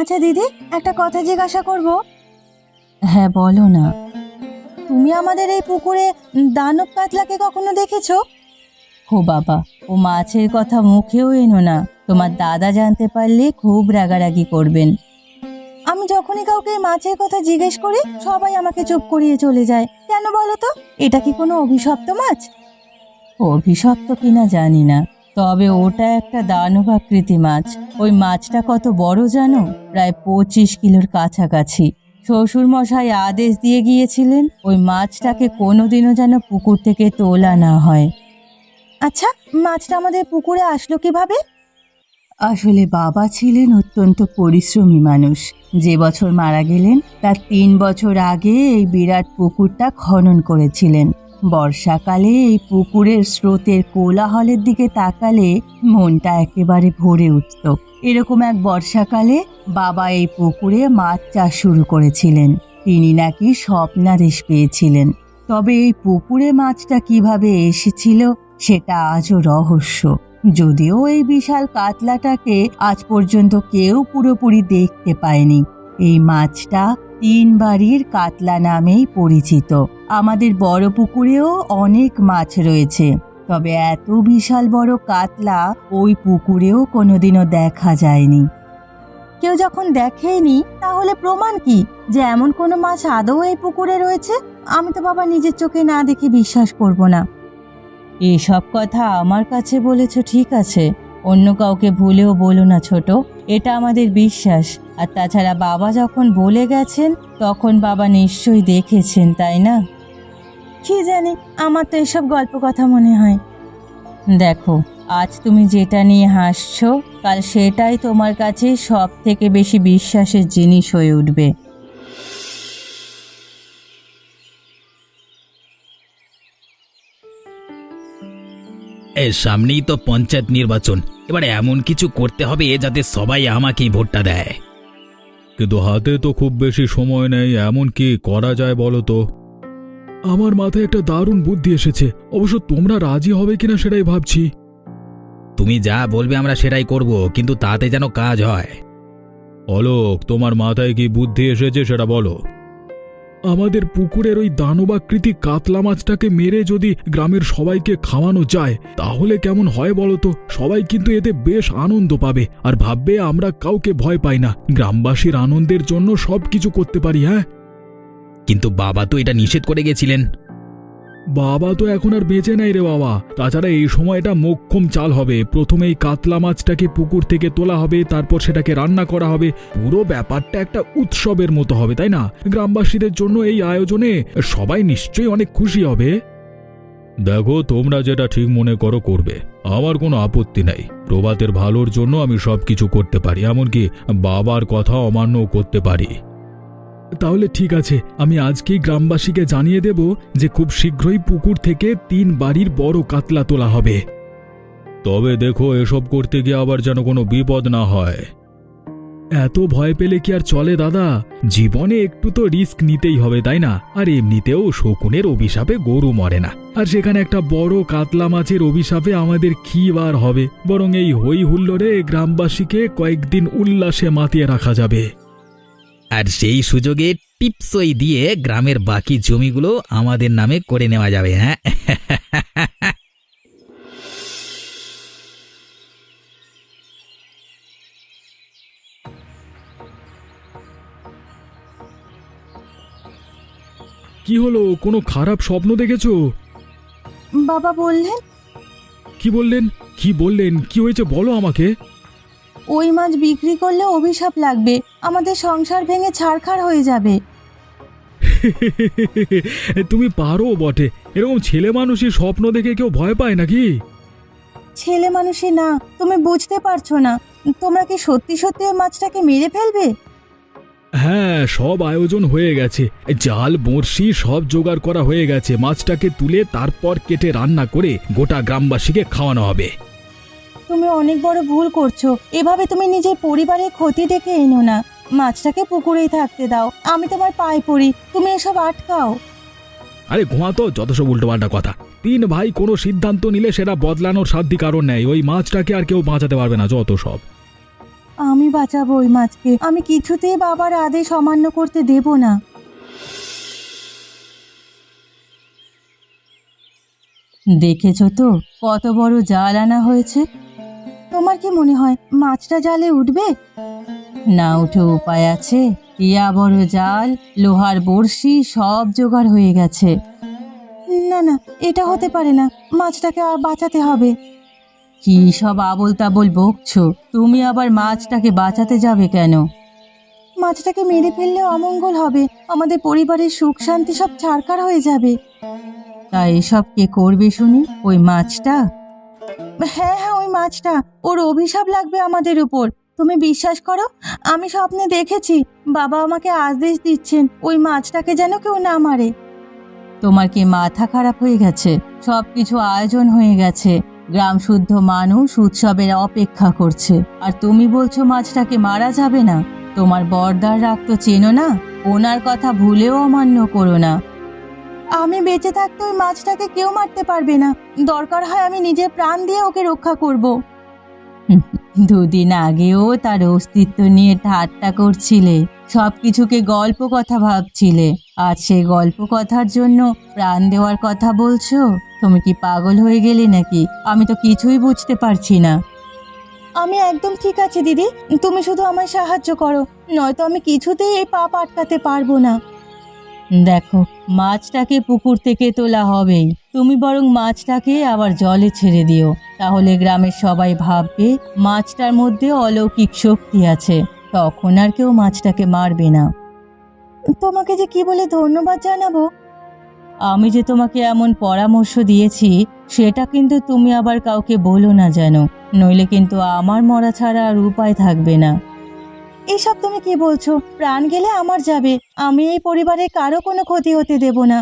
আচ্ছা দিদি, একটা কথা জিজ্ঞাসা করব? হ্যাঁ বলো না। তুমি আমাদের এই পুকুরে দানব কাতলাকে কখনো দেখেছো? ও বাবা, ও মাছের কথা মুখেও এনো না, তোমার দাদা জানতে পারলে খুব রাগারাগি করবেন। আমি যখনই কাউকে মাছের কথা জিজ্ঞেস করি সবাই আমাকে চুপ করিয়ে চলে যায়, কেন বলো তো? এটা কি কোনো অভিশপ্ত মাছ? অভিশপ্ত কিনা জানি না, তবে ওটা একটা দানব আকৃতি মাছ। ওই মাছটা কত বড় জানো? প্রায় 25 কিলোর কাছাকাছি। শ্বশুর মশাই আদেশ দিয়ে গিয়েছিলেন ওই মাছটাকে কোনোদিনও যেন পুকুর থেকে তোলা না হয়। আচ্ছা, মাছটা আমাদের পুকুরে আসলো কিভাবে? আসলে বাবা ছিলেন অত্যন্ত পরিশ্রমী মানুষ। যে বছর মারা গেলেন তার 3 বছর আগে এই বিরাট পুকুরটা খনন করেছিলেন। বর্ষাকালে এই পুকুরের স্রোতের কোলাহলের দিকে তাকালে মনটা একেবারে ভরে উঠত। এরকম এক বর্ষাকালে বাবা এই পুকুরে মাছ চাষ শুরু করেছিলেন। তিনি নাকি স্বপ্নাদেশ পেয়েছিলেন। তবে এই পুকুরে মাছটা কিভাবে এসেছিল সেটা আজও রহস্য। যদিও এই বিশাল কাতলাটাকে আজ পর্যন্ত কেউ পুরোপুরি দেখতে পায়নি। এই মাছটা 3 বাড়ির কাতলা নামেই পরিচিত। আমাদের বড় পুকুরেও অনেক মাছ রয়েছে, তবে এত বিশাল বড় কাতলা ওই পুকুরেও কোনোদিনও দেখা যায়নি। কেউ যখন দেখেনি তাহলে প্রমাণ কি যে এমন কোনো মাছ আদৌ এই পুকুরে রয়েছে? আমি তো বাবা নিজের চোখে না দেখে বিশ্বাস করব না। এসব কথা আমার কাছে বলেছ ঠিক আছে, অন্য কাউকে ভুলেও বলো না ছোট, এটা আমাদের বিশ্বাস। আর তাছাড়া বাবা যখন বলে গেছেন তখন বাবা নিশ্চয়ই দেখেছেন, তাই না? কি জানি, আমার তো এসব গল্প কথা মনে হয়। দেখো, আজ তুমি যেটা নিয়ে হাসছো কাল সেটাই তোমার কাছে সব থেকে বেশি বিশ্বাসের জিনিস হয়ে উঠবে। সামনেই তো পঞ্চায়েত নির্বাচন, এবার এমন কিছু করতে হবে যাতে সবাই আমাকেই ভোটটা দেয়। কিন্তু হাতে তো খুব বেশি সময় নেই, এমন কি করা যায় বলো তো? আমার মাথায় একটা দারুণ বুদ্ধি এসেছে, অবশ্য তোমরা রাজি হবে কিনা সেটাই ভাবছি। তুমি যা বলবে আমরা সেটাই করব, কিন্তু তাতে যেন কাজ হয়। অলোক, তোমার মাথায় কি বুদ্ধি এসেছে সেটা বলো। আমাদের পুকুরের ওই দানবাকৃতি কাতলা মাছটাকে মেরে যদি গ্রামের সবাইকে খাওয়ানো যায় তাহলে কেমন হয় বলো তো? সবাই কিন্তু এতে বেশ আনন্দ পাবে আর ভাববে আমরা কাউকে ভয় পাই না, গ্রামবাসীর আনন্দের জন্য সবকিছু করতে পারি। হ্যাঁ, কিন্তু বাবা তো এটা নিষেধ করে গেছিলেন। বাবা তো এখন আর বেঁচে নাই রে বাবা। তাছাড়া এই সময়টা মোক্ষম চাল হবে। প্রথমে এই কাতলা মাছটাকে পুকুর থেকে তোলা হবে, তারপর সেটাকে রান্না করা হবে। পুরো ব্যাপারটা একটা উৎসবের মতো হবে, তাই না? গ্রামবাসীদের জন্য এই আয়োজনে সবাই নিশ্চয়ই অনেক খুশি হবে। দেখো, তোমরা যেটা ঠিক মনে করো করবে, আমার কোনো আপত্তি নাই। প্রভাতের ভালোর জন্য আমি সবকিছু করতে পারি, এমনকি বাবার কথা অমান্য করতে পারি। তাহলে ঠিক আছে, আমি আজকেই গ্রামবাসীকে জানিয়ে দেব যে খুব শীঘ্রই পুকুর থেকে 3 বাড়ির বড় কাতলা তোলা হবে। তবে দেখো, এসব করতে গিয়ে আবার যেন কোনো বিপদ না হয়। এত ভয় পেলে কি আর চলে দাদা? জীবনে একটু তো রিস্ক নিতেই হবে, তাই না? আর এমনিতেও শকুনের অভিশাপে গরু মরে না, আর সেখানে একটা বড় কাতলা মাছের অভিশাপে আমাদের কি বার হবে? বরং এই হই হুল্লোড়ে গ্রামবাসীকে কয়েকদিন উল্লাসে মাতিয়ে রাখা যাবে। আর সেই সুযোগে টিপসই দিয়ে গ্রামের বাকি জমিগুলো আমাদের নামে করে নেওয়া যাবে। হ্যাঁ, কি হলো? কোনো খারাপ স্বপ্ন দেখেছো? বাবা বললেন। কি বললেন? কি বললেন? কি হয়েছে বলো আমাকে। ওই মাছ বিক্রি করলে অভিশাপ লাগবে, আমাদের সংসার ভেঙে ছারখার হয়ে যাবে। তুমি পারো বটে। এরকম ছেলে মানুষই স্বপ্ন দেখে কেউ ভয় পায় নাকি? ছেলে মানুষই না, তুমি বুঝতে পারছো না। তোমরা কি সত্যি সত্যি ওই মাছটাকে মেরে ফেলবে? হ্যাঁ, সব আয়োজন হয়ে গেছে। জাল, বড়শি সব জোগাড় করা হয়ে গেছে। মাছটাকে তুলে তারপর কেটে রান্না করে গোটা গ্রামবাসীকে খাওয়ানো হবে। তুমি অনেক বড় ভুল করছো। এভাবে তুমি নিজের পরিবারের ক্ষতি ডেকে এনো না। মাছটাকে পুকুরেই থাকতে দাও, আমি তোমার পায়ে পড়ি, তুমি এসব আটকাও। আরে ঘুমাতো, যত সব উল্টোপাল্টা কথা। 3 ভাই কোনো সিদ্ধান্ত নিলে সেটা বদলানোর সাধ্য কারণ নেই। ওই মাছটাকে আর কেউ বাঁচাতে পারবে না, যত সব। আমি বাঁচাবো ওই মাছকে। আমি কিছুতেই বাবার আদেশ অমান্য করতে দেব না। দেখেছো তো কত বড় জাল আনা হয়েছে। তোমার কি মনে হয় মাছটা জালে উঠবে? না উঠে উপায় আছে? ইয়া বড় জাল, লোহার বড়শি সব জোগাড় হয়ে গেছে। না না, এটা হতে পারে না, মাছটাকে আর বাঁচাতে হবে। কি সব আবোল তাবোল বকছো? তুমি আবার মাছটাকে বাঁচাতে যাবে কেন? মাছটাকে মেরে ফেললে অমঙ্গল হবে, আমাদের পরিবারের সুখ শান্তি সব ছারখার হয়ে যাবে। তা এসব কে করবে শুনি? ওই মাছটা? হ্যাঁ হ্যাঁ, ওই মাছটা। ওর অভিশাপ লাগবে আমাদের উপর। তুমি বিশ্বাস করো, আমি স্বপ্নে দেখেছি বাবা আমাকে আদেশ দিচ্ছেন ওই মাছটাকে যেন কেউ না মারে। তোমার কি মাথা খারাপ হয়ে গেছে? সবকিছু আয়োজন হয়ে গেছে, গ্রাম শুদ্ধ মানুষ উৎসবের অপেক্ষা করছে, আর তুমি বলছো মাছটাকে মারা যাবে না? তোমার বর্দার রাগ তো চেনো না, ওনার কথা ভুলেও অমান্য করো না। আমি বেঁচে থাকতে ওই মাছটাকে কেউ মারতে পারবে না, দরকার হয় আমি নিজের প্রাণ দিয়ে ওকে রক্ষা করব। দুদিন আগেও তার অস্তিত্ব নিয়ে ঠাট্টা করছিলে, সবকিছুকে গল্প কথা ভাবছিলে, আর সেই গল্প কথার জন্য প্রাণ দেওয়ার কথা বলছো? তুমি কি পাগল হয়ে গেলে নাকি? আমি তো কিছুই বুঝতে পারছি না। আমি একদম ঠিক আছে দিদি, তুমি শুধু আমায় সাহায্য করো, নয়তো আমি কিছুতেই এই পাপ আটকাতে পারবো না। দেখো, মাছটাকে পুকুর থেকে তোলা হবেই, তুমি বরং মাছটাকে আবার জলে ছেড়ে দিও, তাহলে গ্রামের সবাই ভাববে মাছটার মধ্যে অলৌকিক শক্তি আছে, তখন আর কেউ মাছটাকে মারবে না। তোমাকে যে কি বলে ধন্যবাদ জানাবো। আমি যে তোমাকে এমন পরামর্শ দিয়েছি সেটা কিন্তু তুমি আবার কাউকে বলো না যেন, নইলে কিন্তু আমার মরা ছাড়া আর উপায় থাকবে না। এসব তুমি কি বলছো? প্রাণ গেলে আমার যাবে, আমি এই পরিবারে কারো কোনো ক্ষতি হতে দেব না।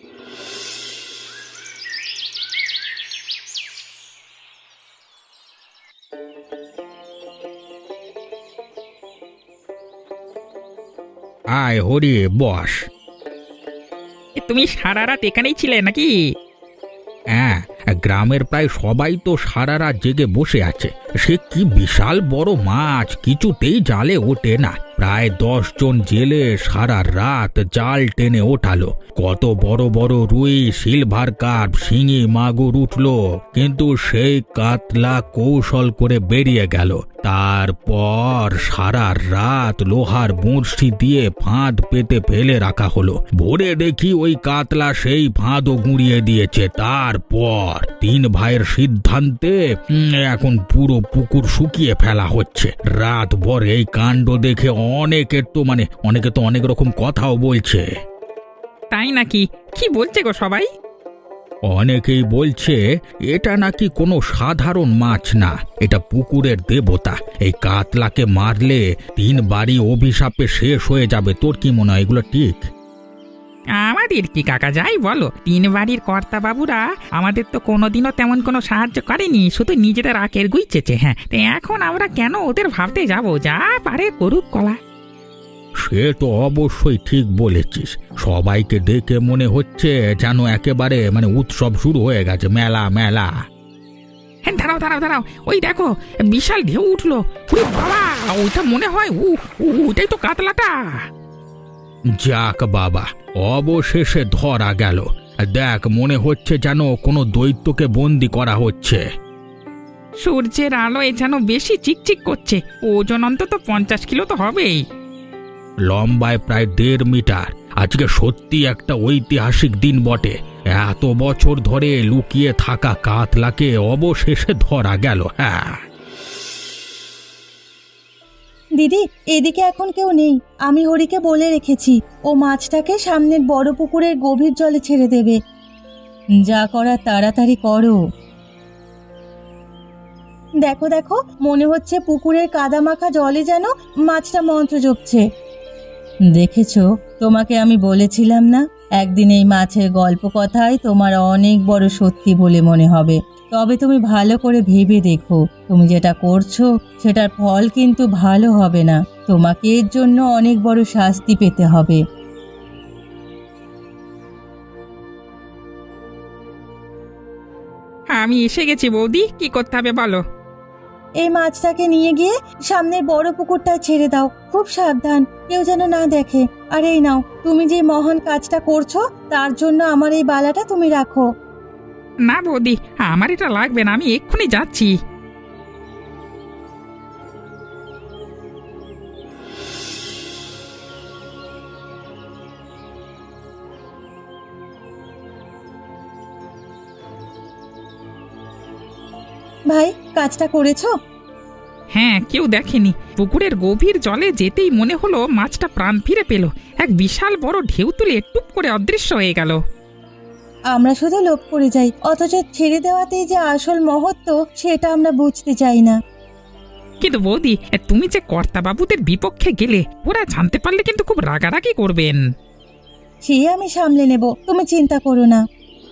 আয় হরি, বস। তুমি সারা রাত এখানেই ছিলে নাকি? হ্যাঁ, গ্রামের প্রায় সবাই তো সারা রাত জেগে বসে আছে। সে কি বিশাল বড় মাছ, কিছুতেই জালে ওঠে না। প্রায় 10 জন জেলে সারা রাত জাল টেনে ওঠালো। কত বড় বড় রুই, সিলভার কার্প, শিঙি, মাগুর উঠলো, কিন্তু সেই কাতলা কৌশল করে বেরিয়ে গেল। তারপর সারা রাত লোহার বড়শি দিয়ে ফাঁদ পেতে ফেলে রাখা হলো। ভোরে দেখি ওই কাতলা সেই ফাঁদও গুঁড়িয়ে দিয়েছে। তারপর 3 ভাইয়ের সিদ্ধান্তে এখন পুরো পুকুর শুকিয়ে ফেলা হচ্ছে। রাত ভর এই কাণ্ড দেখে অনেকে তো অনেক রকম কথাও বলছে। তাই নাকি? কি বলছে গো সবাই? অনেকেই বলছে এটা নাকি কোনো সাধারণ মাছ না, এটা পুকুরের দেবতা। এই কাতলাকে মারলে 3 বাড়ি অভিশাপে শেষ হয়ে যাবে। তোর কি মনে হয়, এগুলো ঠিক? আমাদের কি কাকা, যাই বলো, 3 বাড়ির কর্তা বাবুরা আমাদের তো কোনোদিনও তেমন কোনো সাহায্য করেনি, শুধু নিজেদের আখের গুইচেছে। হ্যাঁ, তো এখন আমরা কেন ওদের ভাবতে যাব? যা পারে করুক কলা। সে তো অবশ্যই ঠিক বলেছিস। সবাইকে দেখে মনে হচ্ছে যেন একেবারে উৎসব শুরু হয়ে গেছে, মেলা মেলা। হ্যাঁ, দাঁড়াও দাঁড়াও দাঁড়াও, ওই দেখো বিশাল ঢেউ উঠলো। ওরে বাবা, ওইটা মনে হয় ওইটাই তো কাতলাটা। যাক বাবা, অবশেষে ধরা গেল। দেখ, মনে হচ্ছে যেন কোনো দৈত্যকে বন্দি করা হচ্ছে। সূর্যের আলোয় যেন বেশি চিকচিক করছে। ওজন অন্তত 50 কিলো তো হবেই। লম্বায় প্রায় 1.5 মিটার। আজকে সত্যি একটা ঐতিহাসিক দিন বটে। এত বছর ধরে লুকিয়ে থাকা কাতলাকে অবশেষে ধরা গেল। হ্যাঁ দিদি, এদিকে এখন কেউ নেই, আমি হরিকে বলে রেখেছি ও মাছটাকে সামনের বড় পুকুরের গভীর জলে ছেড়ে দেবে। যা করার তাড়াতাড়ি করো। দেখো দেখো, মনে হচ্ছে পুকুরের কাদামাখা জলে যেন মাছটা মন্ত্র জপছে। দেখেছো, তোমাকে আমি বলেছিলাম না, একদিন এই মাছের গল্প কথাই তোমার অনেক বড় সত্যি বলে মনে হবে। তবে তুমি ভালো করে ভেবে দেখো, তুমি যেটা করছো সেটার ফল কিন্তু ভালো হবে না, তোমাকে এর জন্য অনেক বড় শাস্তি পেতে হবে। আমি এসে গেছি বৌদি, কি করতে হবে বলো? এই মাছটাকে নিয়ে গিয়ে সামনের বড় পুকুরটা ছেড়ে দাও। খুব সাবধান, কেউ যেন না দেখে। আর এই নাও, তুমি যে মহান কাজটা করছো তার জন্য আমার এই বালাটা তুমি রাখো। না বৌদি, আমার এটা লাগবে না, আমি এক্ষুনি যাচ্ছি। ভাই, কাজটা করেছো? হ্যাঁ, কেউ দেখেনি। পুকুরের গভীর জলে যেতেই মনে হলো মাছটা প্রাণ ফিরে পেল। এক বিশাল বড় ঢেউ তুলে টুপ করে অদৃশ্য হয়ে গেল। আমরা শুধু লোভ করে যাই, অথচ ছেড়ে দেওয়াতেই যে আসল মহত্ব সেটা আমরা বুঝতে চাই না। কিন্তু বৌদি, তুমি যে কর্তাবাবুদের বিপক্ষে গেলে, ওরা জানতে পারলে কিন্তু খুব রাগারাগি করবেন। সে আমি সামলে নেব, তুমি চিন্তা করো না।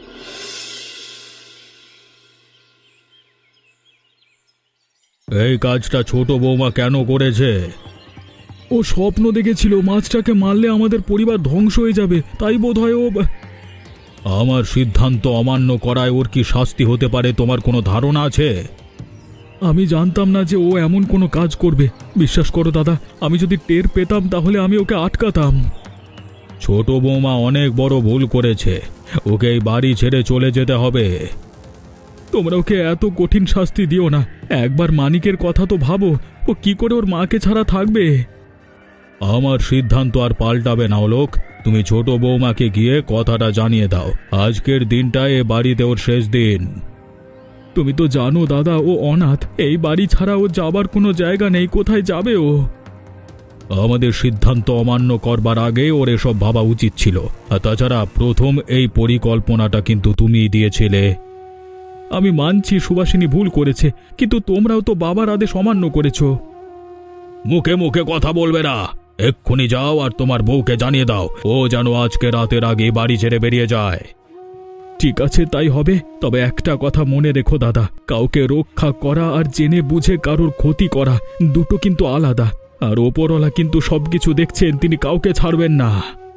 এই কাজটা ছোট বৌমা কেন করেছে? ও স্বপ্ন দেখেছিল মাছটাকে মারলে আমাদের পরিবার ধ্বংস হয়ে যাবে, তাই বোধহয় ও। আমার সিদ্ধান্ত অমান্য করায় ওর কি শাস্তি হতে পারে তোমার কোনো ধারণা আছে? আমি জানতাম না যে ও এমন কোনো কাজ করবে। বিশ্বাস করো দাদা, আমি যদি টের পেতাম তাহলে আমি ওকে আটকাতাম। ছোট বৌমা অনেক বড় ভুল করেছে, ওকে এই বাড়ি ছেড়ে চলে যেতে হবে। তোমরা ওকে এত কঠিন শাস্তি দিও না। একবার মানিকের কথা তো ভাবো, ও কি করে ওর মাকে ছাড়া থাকবে। আমার সিদ্ধান্ত আর পাল্টাবে না লোক। তুমি ছোট বৌমাকে গিয়ে কথাটা জানিয়ে দাও। আজকের দিনটা এ বাড়িতে ওর শেষ দিন। তুমি তো জানো দাদা, ও অনাথ। এই বাড়ি ছাড়া ও যাবার কোনো জায়গা নেই, কোথায় যাবে ও? আমাদের সিদ্ধান্ত অমান্য করবার আগে ওর এসব ভাবা উচিত ছিল। আর তাছাড়া প্রথম এই পরিকল্পনাটা কিন্তু তুমিই দিয়েছিলে। আমি মানছি সুভাষিনী ভুল করেছে, কিন্তু তোমরাও তো বাবার আদেশ অমান্য করেছো। মুখে মুখে কথা বলবে না। এক্ষুনি যাও আর তোমার বউকে জানিয়ে দাও ও যেন আজকে রাতের আগে বাড়ি ছেড়ে বেরিয়ে যায়। ঠিক আছে, তাই হবে। তবে একটা কথা মনে রেখো দাদা, কাউকে রক্ষা করা আর জেনে বুঝে কারোর ক্ষতি করা দুটো কিন্তু আলাদা। আর ওপরওয়ালা কিন্তু সবকিছু দেখছেন, তিনি কাউকে ছাড়বেন না।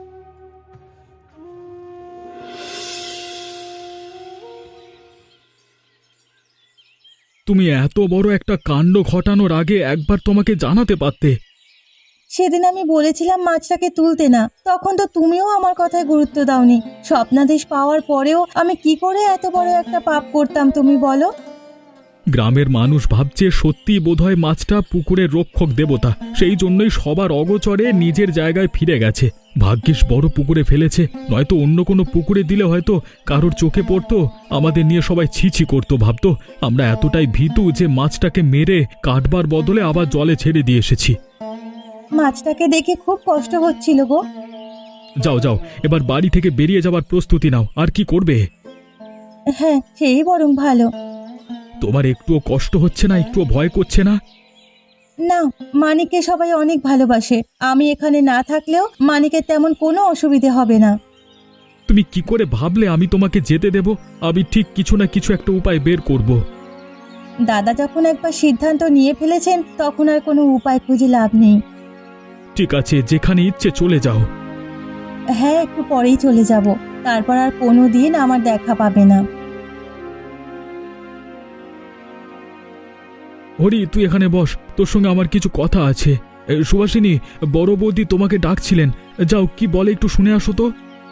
তুমি এত বড় একটা কাণ্ড ঘটানোর আগে একবার তোমাকে জানাতে পারতে। সেদিন আমি বলেছিলাম মাছটাকে তুলতে না, তখন তো তুমিও আমার কথায় গুরুত্ব দাওনি। স্বপ্নাদেশ পাওয়ার পরেও আমি কি করে এত বড় একটা পাপ করতাম তুমি বলো? গ্রামের মানুষ ভাবছে সত্যি বোধহয় মাছটা পুকুরের রক্ষক দেবতা, সেই জন্যই সবার অগোচরে নিজের জায়গায় ফিরে গেছে। ভাগ্যিস বড় পুকুরে ফেলেছে, নয়তো অন্য কোনো পুকুরে দিলে হয়তো কারোর চোখে পড়তো, আমাদের নিয়ে সবাই ছিছি করতো, ভাবতো আমরা এতটাই ভীতু যে মাছটাকে মেরে কাটবার বদলে আবার জলে ছেড়ে দিয়ে এসেছি। মাছটাকে দেখে খুব কষ্ট হচ্ছিল গো। যাও যাও, এবার বাড়ি থেকে বেরিয়ে যাবার প্রস্তুতি নাও। আর কি করবে? হ্যাঁ, সেই বরং ভালো। তোমার একটুও কষ্ট হচ্ছে না? একটুও ভয় করছে না? না, মানিককে সবাই অনেক ভালোবাসে। আমি এখানে না থাকলেও মানিকের তেমন কোনো অসুবিধে হবে না। তুমি কি করে ভাবলে আমি তোমাকে যেতে দেব? আমি ঠিক কিছু না কিছু একটা উপায় বের করব। দাদা যখন একবার সিদ্ধান্ত নিয়ে ফেলেছেন তখন আর কোনো উপায় খুঁজে লাভ নেই। ঠিক আছে, যেখানে ইচ্ছে চলে যাও। হ্যাঁ, একটু পরেই চলে যাব, তারপর আর কোনো দিন আমার দেখা পাবে না। হরি, তুই এখানে বস, তোর সঙ্গে আমার কিছু কথা আছে। সুভাষিনী, বড় বৌদি তোমাকে ডাকছিলেন। যাও, কি বলে একটু শুনে আসো তো।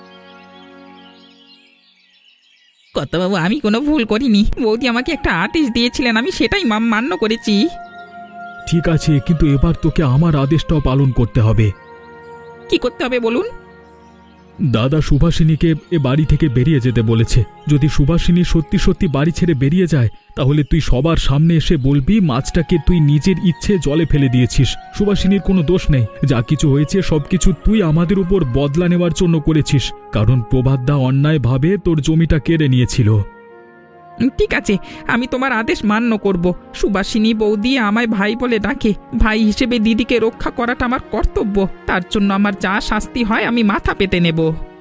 কর্তাবাবু, আমি কোনো ভুল করিনি। বৌদি আমাকে একটা আদেশ দিয়েছিলেন, আমি সেটাই মান্য করেছি। ঠিক আছে, কিন্তু এবার তোকে আমার আদেশটাও পালন করতে হবে। কি করতে হবে বলুন? দাদা সুভাষিনীকে এ বাড়ি থেকে বেরিয়ে যেতে বলেছে। যদি সুভাষিনী সত্যি সত্যি বাড়ি ছেড়ে বেরিয়ে যায়, তাহলে তুই সবার সামনে এসে বলবি মাছটাকে তুই নিজের ইচ্ছে জলে ফেলে দিয়েছিস। সুভাষিনীর কোনো দোষ নেই, যা কিছু হয়েছে সবকিছু তুই আমাদের উপর বদলা নেওয়ার জন্য করেছিস, কারণ প্রভাতদা অন্যায়ভাবে তোর জমিটা কেড়ে নিয়েছিল। ঠিক আছে, আমি তোমার আদেশ মান্য করব। সুবাসিনী বৌদি আমায় ভাই বলে ডাকে, ভাই হিসেবে দিদিকে রক্ষা করাটা আমার কর্তব্য। তার জন্য আমার যা শাস্তি হয় আমি মাথা পেতে নেব।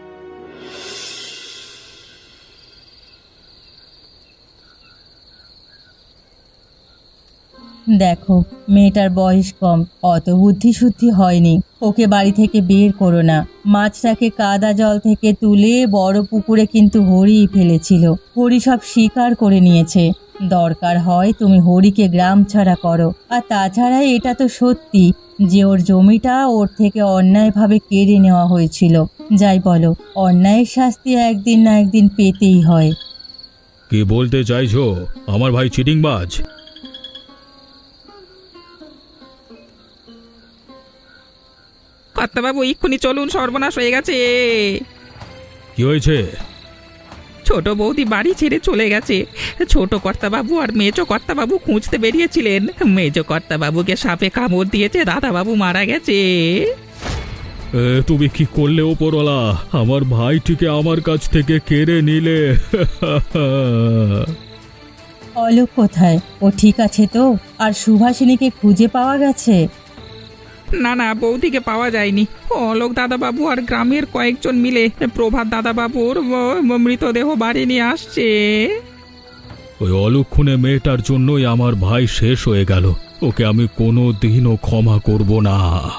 দেখো, মেয়েটার বয়স কম, অত বুদ্ধি শুদ্ধি হয়নি। ওকে বাড়ি থেকে বের করো না। মাছটাকে কাদা জল থেকে তুলে বড় পুকুরে কিন্তু হরিই ফেলেছিল। হরি সব স্বীকার করে নিয়েছে। দরকার হয় তুমি হরিকে গ্রাম ছাড়া করো। আর তাছাড়া এটা তো সত্যি যে ওর জমিটা ওর থেকে অন্যায়ভাবে কেড়ে নেওয়া হয়েছিল। যাই বলো, অন্যায়ের শাস্তি একদিন না একদিন পেতেই হয়। কি বলতে চাইছো? আমার ভাই চিটিংবাজ? কর্তাবাবু এক্ষুনি চলুন, সর্বনাশ হয়ে গেছে। কি হয়েছে? ছোট বৌদি বাড়ি ছেড়ে চলে গেছে। ছোট কর্তাবাবু আর মেজো কর্তাবাবু খুঁজতে বেরিয়েছিলেন। মেজো কর্তাবাবুকে সাপে কামড় দিয়েছে, দাদাবাবু মারা গেছে। তুমি কি করলে ওপরওয়ালা? আমার ভাইটিকে আমার কাছ থেকে কেড়ে নিলে। অলোক কোথায়? ও ঠিক আছে তো? আর সুভাষিনীকে খুঁজে পাওয়া গেছে? না না, বৌদিকে পাওয়া যায়নি। অলোক দাদাবাবু আর গ্রামের কয়েকজন মিলে প্রভাত দাদাবাবুর মৃতদেহ বাড়ি নিয়ে আসছে। ওই অলক্ষণে মেয়েটার জন্যই আমার ভাই শেষ হয়ে গেল। ওকে আমি কোনো দিনও ক্ষমা করব না।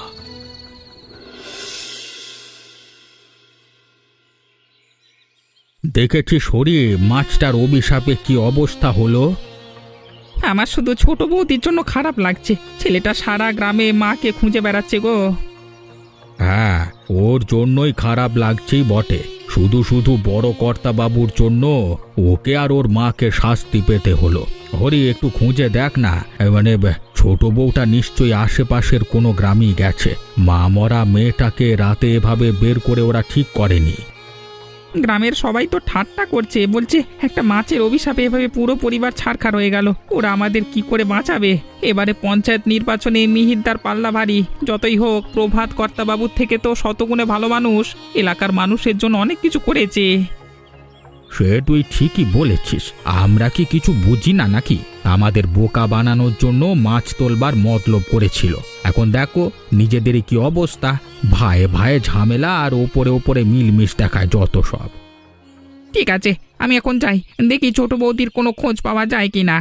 দেখেছিস হরি, মাছটার অভিশাপে কি অবস্থা হলো? আমার শুধু ছোট বৌদির জন্য খারাপ লাগছে। ছেলেটা সারা গ্রামে মাকে খুঁজে বেড়াচ্ছে গো। হ্যাঁ, ওর জন্যই খারাপ লাগছেই বটে। শুধু শুধু বড় কর্তা বাবুর জন্য ওকে আর ওর মাকে শাস্তি পেতে হলো। হরি, একটু খুঁজে দেখ না, ছোট বউটা নিশ্চয়ই আশেপাশের কোনো গ্রামই গেছে। মা মরা মেয়েটাকে রাতে এভাবে বের করে ওরা ঠিক করেনি। গ্রামের সবাই তো ঠাট্টা করছে, বলছে একটা মাছের অভিশাপে এভাবে পুরো পরিবার ছারখার হয়ে গেল। ওরা আমাদের কি করে বাঁচাবে? এবারে পঞ্চায়েত নির্বাচনে মিহিরদার পাল্লা ভারী। যতই হোক, প্রভাত কর্তাবাবুর থেকে তো শতগুণে ভালো মানুষ। এলাকার মানুষের জন্য অনেক কিছু করেছে। সে তুই ঠিকই বলেছিস। আমরা কি কিছু বুঝি না নাকি? আমাদের বোকা বানানোর জন্য মাছ তোলবার মতলব করেছিল। এখন দেখো নিজেদেরই কি অবস্থা। ভাইয়ে ভাইয়ে ঝামেলা আর ওপরে ওপরে মিলমিশ দেখায় যত সব। ঠিক আছে, আমি এখন যাই, দেখি ছোট বৌদির কোনো খোঁজ পাওয়া যায় কিনা।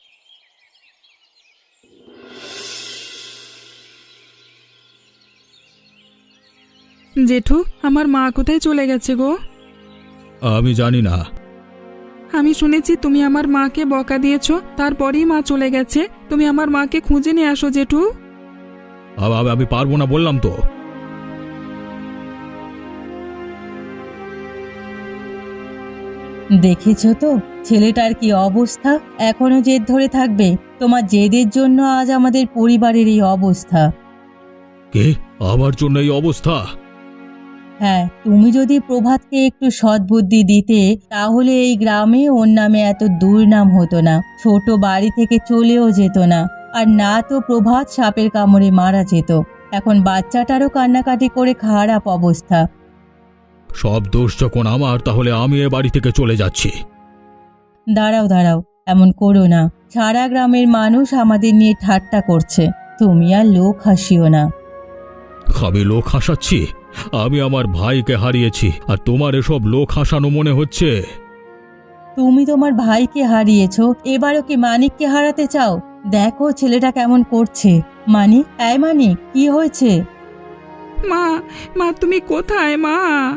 জেঠু, আমার মা কোথায় চলে গেছে গো? আমি জানি না। আমি শুনেছি তুমি আমার মাকে বকা দিয়েছো, তারপরেই মা চলে গেছে। তুমি আমার মাকে খুঁজে নিয়ে আসো জেঠু। আমি পারবো না বললাম তো। দেখেছো তো ছেলেটার কি অবস্থা? এখনো জেদ ধরে থাকবে? তোমার জেদের জন্য আজ আমাদের পরিবারের এই অবস্থা। কে? আমার জন্য এই অবস্থা? হ্যাঁ, তুমি যদি প্রভাতকে একটু সদ্বুদ্ধি দিতে তাহলে এই গ্রামে ওর নামে এত দুর্নাম হতো না। ছোট বাড়ি থেকে চলেও যেত না। আর না তো প্রভাত সাপের কামড়ে মারা যেত। এখন বাচ্চাটারও কান্নাকাটি করে খারাপ অবস্থা। সব দোষ যখন আমার, তাহলে আমি এ বাড়ি থেকে চলে যাচ্ছি। দাঁড়াও দাঁড়াও, এমন করো না। সারা গ্রামের মানুষ আমাদের নিয়ে ঠাট্টা করছে। তুমি আর লোক হাসিও না। আমি লোক হাসাচ্ছি? আমি আমার ভাইকে হারিয়েছি, আর তোমার এসব লোক হাসানো মনে হচ্ছে? তুমি তোমার ভাইকে হারিয়েছো, এবারও কি মানিককে হারাতে চাও? দেখো ছেলেটা কেমন করছে। মানিক, এই মানিক, কি হয়েছে? মা, মা তুমি কোথায় মা?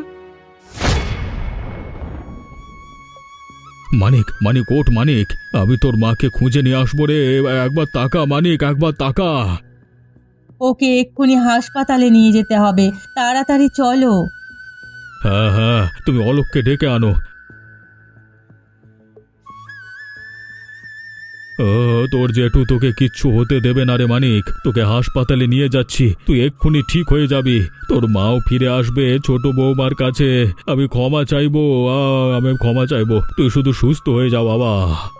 মানিক, মানিক ওঠ মানিক, আমি তোর মাকে খুঁজে নিয়ে আসবো রে। একবার তাকা মানিক, একবার তাকা। ওকে এক্ষুনি হাসপাতালে নিয়ে যেতে হবে, তাড়াতাড়ি চলো। হ্যাঁ হ্যাঁ, তুমি অলোককে ডেকে আনো। তোর জেঠু তোকে কিচ্ছু হতে দেবে না রে মানিক। তোকে হাসপাতালে নিয়ে যাচ্ছি, তুই এক্ষুনি ঠিক হয়ে যাবি। তোর মাও ফিরে আসবে ছোট বৌমার কাছে। আমি ক্ষমা চাইবো, আমি ক্ষমা চাইবো। তুই শুধু সুস্থ হয়ে যা বাবা।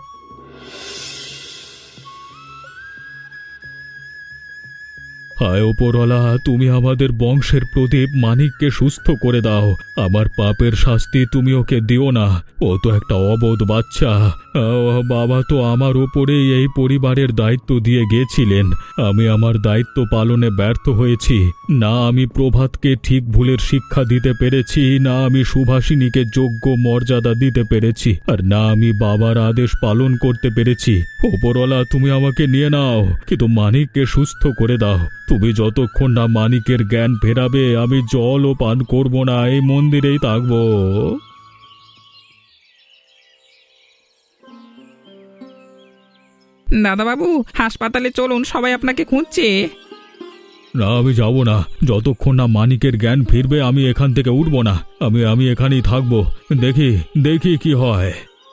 হায় ওপরওয়ালা, তুমি আমাদের বংশের প্রদীপ মানিককে সুস্থ করে দাও। আমার পাপের শাস্তি তুমি ওকে দিও না। ও তো একটা অবোধ বাচ্চা। বাবা তো আমার ওপরেই এই পরিবারের দায়িত্ব দিয়ে গেছিলেন। আমি আমার দায়িত্ব পালনে ব্যর্থ হয়েছি। না আমি প্রভাতকে ঠিক ভুলের শিক্ষা দিতে পেরেছি, না আমি সুভাষিনীকে যোগ্য মর্যাদা দিতে পেরেছি, আর না আমি বাবার আদেশ পালন করতে পেরেছি। ওপরওয়ালা, তুমি আমাকে নিয়ে নাও, কিন্তু মানিককে সুস্থ করে দাও। তুমি যতক্ষণ না মানিকের জ্ঞান ফেরাবে, আমি জলও পান করব না, এই মন্দিরেই থাকবো। দাদাবাবু হাসপাতালে চলুন, সবাই আপনাকে খুঁজছে। না, আমি যাব না। যতক্ষণ না মানিকের জ্ঞান ফিরবে আমি এখান থেকে উঠব না। আমি এখানেই থাকবো। দেখি দেখি কি হয়।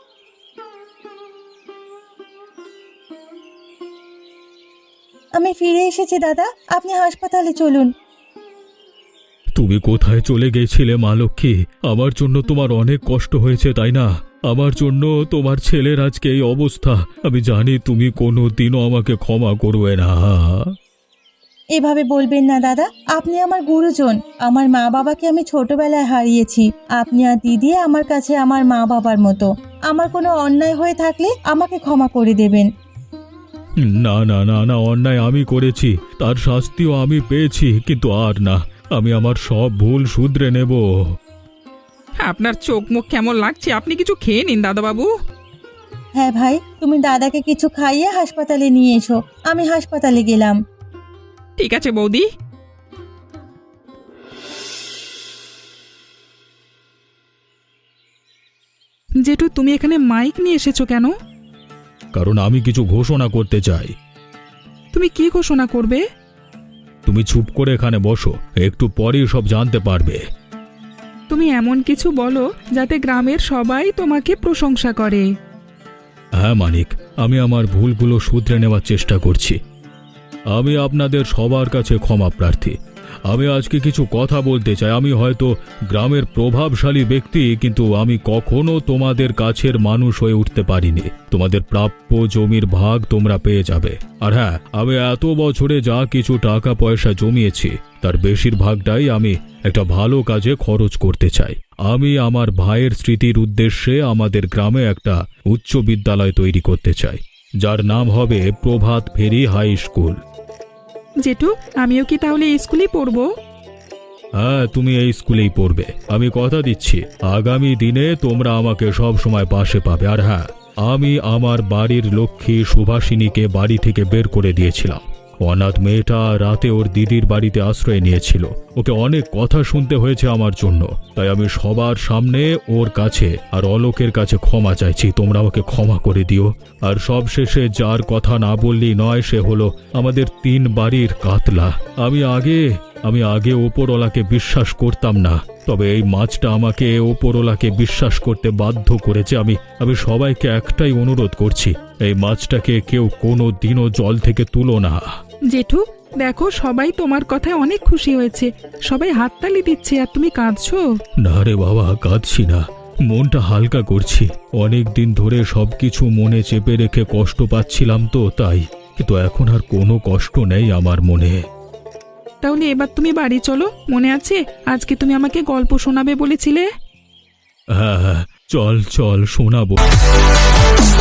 আমি ফিরে এসেছি দাদা, আপনি হাসপাতালে চলুন। তুমি কোথায় চলে গেছিলে মা লক্ষ্মী? আমার জন্য তোমার অনেক কষ্ট হয়েছে, তাই না? আমার জন্য তোমার ছেলের আজকে এই অবস্থা। আমি জানি তুমি কোনো দিনও আমাকে ক্ষমা করবে না। এভাবে বলবেন না দাদা, আপনি আমার গুরুজন। আমার মা বাবাকে আমি ছোটবেলায় হারিয়েছি। আপনি আর দিদি আমার কাছে আমার মা বাবার মতো। আমার কোনো অন্যায় হয়ে থাকলে আমাকে ক্ষমা করে দেবেন। না না না না, অন্যায় আমি করেছি, তার শাস্তিও আমি পেয়েছি, কিন্তু আর না। আমি আমার সব ভুল শুধরে নেব। আপনার চোখ মুখ কেমন লাগছে? আপনি কিছু খেয়ে নিন দাদাবাবু। হ্যাঁ ভাই, তুমি দাদাকে কিছু খাইয়ে হাসপাতালে নিয়ে এসো। আমি হাসপাতালে গেলাম। ঠিক আছে বৌদি। জেঠু, তুমি এখানে মাইক নিয়ে এসেছো কেন? কারণ আমি কিছু ঘোষণা করতে চাই। তুমি কি ঘোষণা করবে? তুমি চুপ করে এখানে বসো, একটু পরেই সব জানতে পারবে। তুমি এমন কিছু বলো যাতে গ্রামের সবাই তোমাকে প্রশংসা করে। হ্যাঁ মানিক, আমি আমার ভুলগুলো শুধরে নেওয়ার চেষ্টা করছি। আমি আপনাদের সবার কাছে ক্ষমা প্রার্থী। আমি আজকে কিছু কথা বলতে চাই। আমি হয়তো গ্রামের প্রভাবশালী ব্যক্তি, কিন্তু আমি কখনো তোমাদের কাছের মানুষ হয়ে উঠতে পারিনি। তোমাদের প্রাপ্য জমির ভাগ তোমরা পেয়ে যাবে। আর হ্যাঁ, আমি এত বছরে যা কিছু টাকা পয়সা জমিয়েছি তার বেশিরভাগটাই আমি একটা ভালো কাজে খরচ করতে চাই। আমি আমার ভাইয়ের স্মৃতির উদ্দেশ্যে আমাদের গ্রামে একটা উচ্চ বিদ্যালয় তৈরি করতে চাই, যার নাম হবে প্রভাত ফেরি হাই স্কুল। জেঠু, আমিও কি তাহলে এই স্কুলেই পড়বো? হ্যাঁ, তুমি এই স্কুলেই পড়বে। আমি কথা দিচ্ছি, আগামী দিনে তোমরা আমাকে সব সময় পাশে পাবে। আর হ্যাঁ, আমি আমার বাড়ির লক্ষ্মী সুভাষিনীকে বাড়ি থেকে বের করে দিয়েছিলাম। অনাথ মেয়েটা রাতে ওর দিদির বাড়িতে আশ্রয় নিয়েছিল। ওকে অনেক কথা শুনতে হয়েছে আমার জন্য, তাই আমি সবার সামনে ওর কাছে আর অলোকের কাছে ক্ষমা চাইছি। তোমরা ওকে ক্ষমা করে দিও। আর সবশেষে যার কথা না বললেই নয়, সে হলো আমাদের 3 বাড়ির কাতলা। আমি আগে ওপরওয়ালাকে বিশ্বাস করতাম না, তবে এই মাছটা আমাকে ওপরওয়ালাকে বিশ্বাস করতে বাধ্য করেছে। আমি সবাইকে একটাই অনুরোধ করছি, এই মাছটাকে কেউ কোনো দিনও জল থেকে তুলো না। জেঠু, দেখো সবাই তোমার কথায় অনেক খুশি হয়েছে। সবাই হাততালি দিচ্ছে আর তুমি কাঁদছো। না রে বাবা, কাঁদছি না, মনটা হালকা করছি। অনেক দিন ধরে সবকিছু মনে চেপে রেখে কষ্ট পাচ্ছিলাম তো তাই, কিন্তু এখন আর কোনো কষ্ট নেই আমার মনে। তাহলে এবার তুমি বাড়ি চলো। মনে আছে আজকে তুমি আমাকে গল্প শোনাবে বলেছিলে? হ্যাঁ, চল চল শোনাবো।